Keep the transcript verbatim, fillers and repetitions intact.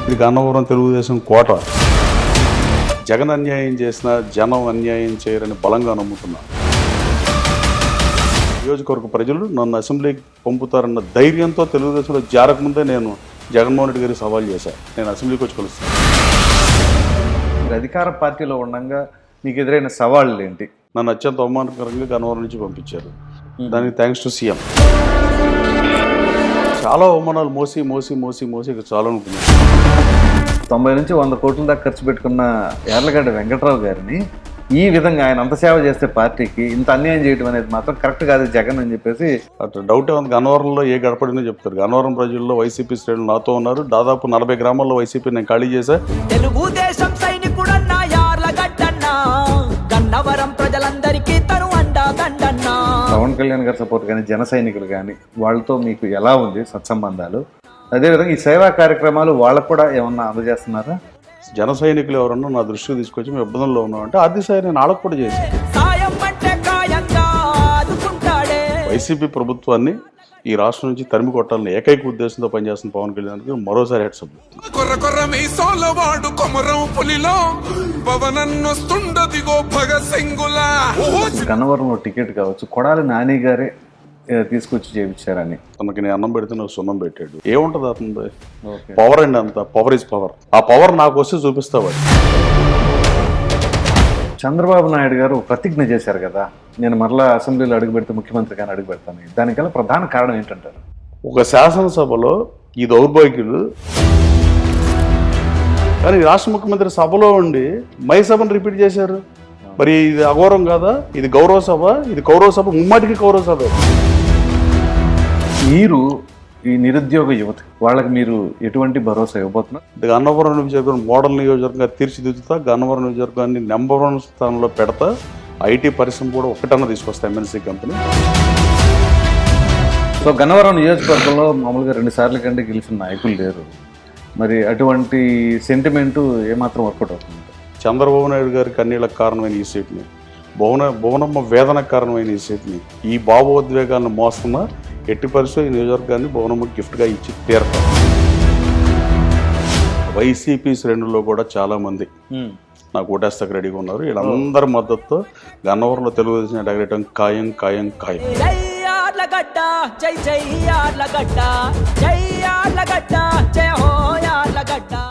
ఇది గన్నవరం తెలుగుదేశం కోట. జగన్ అన్యాయం చేసిన జనం అన్యాయం చేయరని బలంగా నమ్ముతున్నా. నియోజకవర్గ ప్రజలు నన్ను అసెంబ్లీకి పంపుతారన్న ధైర్యంతో తెలుగుదేశంలో జారకముందే నేను జగన్మోహన్ రెడ్డి గారికి సవాల్ చేశాను. నేను అసెంబ్లీకి వచ్చి కలుస్తాను. మీరు అధికార పార్టీలో ఉండగా మీకు ఎదురైన సవాళ్ళు ఏంటి? నన్ను అత్యంత అవమానకరంగా గన్నవరం నుంచి పంపించారు. దానికి థ్యాంక్స్ టు సీఎం. చాలా అవమానాలు మోసి మోసి మోసి మోసి ఇక చాలా ఉంటుంది. తొంభై నుంచి వంద కోట్ల దాకా ఖర్చు పెట్టుకున్న యార్లగడ్డ వెంకట్రావు గారిని ఈ విధంగా ఆయన అంత సేవ చేస్తే పార్టీకి ఇంత అన్యాయం చేయడం అనేది మాత్రం కరెక్ట్ కాదు జగన్ అని చెప్పేసి అట్లా డౌటే ఉంది. గన్నవరంలో ఏ గడపడినో చెప్తారు. గన్నవరం ప్రజల్లో వైసీపీ శ్రేణులు నాతో ఉన్నారు. దాదాపు నలభై గ్రామాల్లో వైసీపీ నేను ఖాళీ చేశా. తెలుగుదేశం సైనికుడన్నా యార్లగడ్డన్నా గన్నవరం ప్రజలందరికీ తను అండా దండన్నా. పవన్ కళ్యాణ్ గారి సపోర్ట్ కానీ జన సైనికులు కానీ వాళ్ళతో మీకు ఎలా ఉంది సత్సంబంధాలు? అదేవిధంగా ఈ సేవా కార్యక్రమాలు వాళ్ళకు కూడా ఏమన్నా అందజేస్తున్నారా? జన సైనికులు ఎవరన్నా నా దృష్టికి తీసుకొచ్చి మేము ఇబ్బందుల్లో ఉన్నామంటే ఆర్థిక సాయం నేను వాళ్ళకు కూడా చేశాను. వైసీపీ ప్రభుత్వాన్ని ఈ రాష్ట్రం నుంచి తరిమి కొట్టాలని ఏకైక ఉద్దేశంతో పనిచేస్తున్న పవన్ కళ్యాణ్కి మరోసారి హెడ్సప్. గన్నవరంలో టికెట్ కావచ్చు కొడాలి నాని గారే తీసుకొచ్చి చేయించారని తనకి నేను అన్నం పెడితే నాకు సున్నం పెట్టాడు. ఏముంటుంది అతను పవర్ అండి, అంత పవర్ ఇస్ పవర్. ఆ పవర్ నాకు వస్తే చూపిస్తావాడు. చంద్రబాబు నాయుడు గారు ప్రతిజ్ఞ చేశారు కదా, నేను మరలా అసెంబ్లీలో అడుగు పెడితే ముఖ్యమంత్రి కానీ అడుగు పెడతాను. దానికల్లా ప్రధాన కారణం ఏంటంటారు? ఒక శాసనసభలో ఈ దౌర్భాగ్యులు కానీ రాష్ట్ర ముఖ్యమంత్రి సభలో ఉండి మై సభను రిపీట్ చేశారు. మరి ఇది అఘోరం కాదా? ఇది గౌరవ సభ, ఇది కౌరవ సభ, ముమ్మాటికి కౌరవ సభ. మీరు ఈ నిరుద్యోగ యువత వాళ్ళకి మీరు ఎటువంటి భరోసా ఇవ్వబోతున్నారు? గన్నవరం నియోజకవర్గం మోడల్ నియోజకవర్గంగా తీర్చిదిద్దుతా, గన్నవరం నియోజకవర్గాన్ని నెంబర్ వన్ స్థానంలో పెడతా. ఐటీ పరిశ్రమ కూడా ఒకటన్నా తీసుకొస్తా, ఎంఎన్సీ కంపెనీ. సో గన్నవరం నియోజకవర్గంలో మామూలుగా రెండు సార్లు కంటే గెలిచిన నాయకులు లేరు. మరి అటువంటి సెంటిమెంటు ఏమాత్రం వర్కౌట్ అవుతుంది? చంద్రబాబు నాయుడు గారి కన్నీళ్ళకు కారణమైన ఈ సీట్ని, భువన భువనమ్మ వేదనకు కారణమైన ఈ సీట్ని, ఈ భావోద్వేగాన్ని మోస్తున్న ఎట్టి పరిస్థితుల్లో ఈ నియోజకవర్గాన్ని భువనమ్మ గిఫ్ట్గా ఇచ్చి తీరతాం. వైసీపీ శ్రేణుల్లో కూడా చాలామంది నాకు ఓటేస్తాకు రెడీగా ఉన్నారు. వీళ్ళందరి మద్దతుతో గన్నవరంలో తెలుగుదేశం ఎడగడం ఖాయం ఖాయం ఖాయం. జై యార్లగడ్డ, జై జై యార్లగడ్డ, జై యార్లగడ్డ, జై హో యార్లగడ్డ.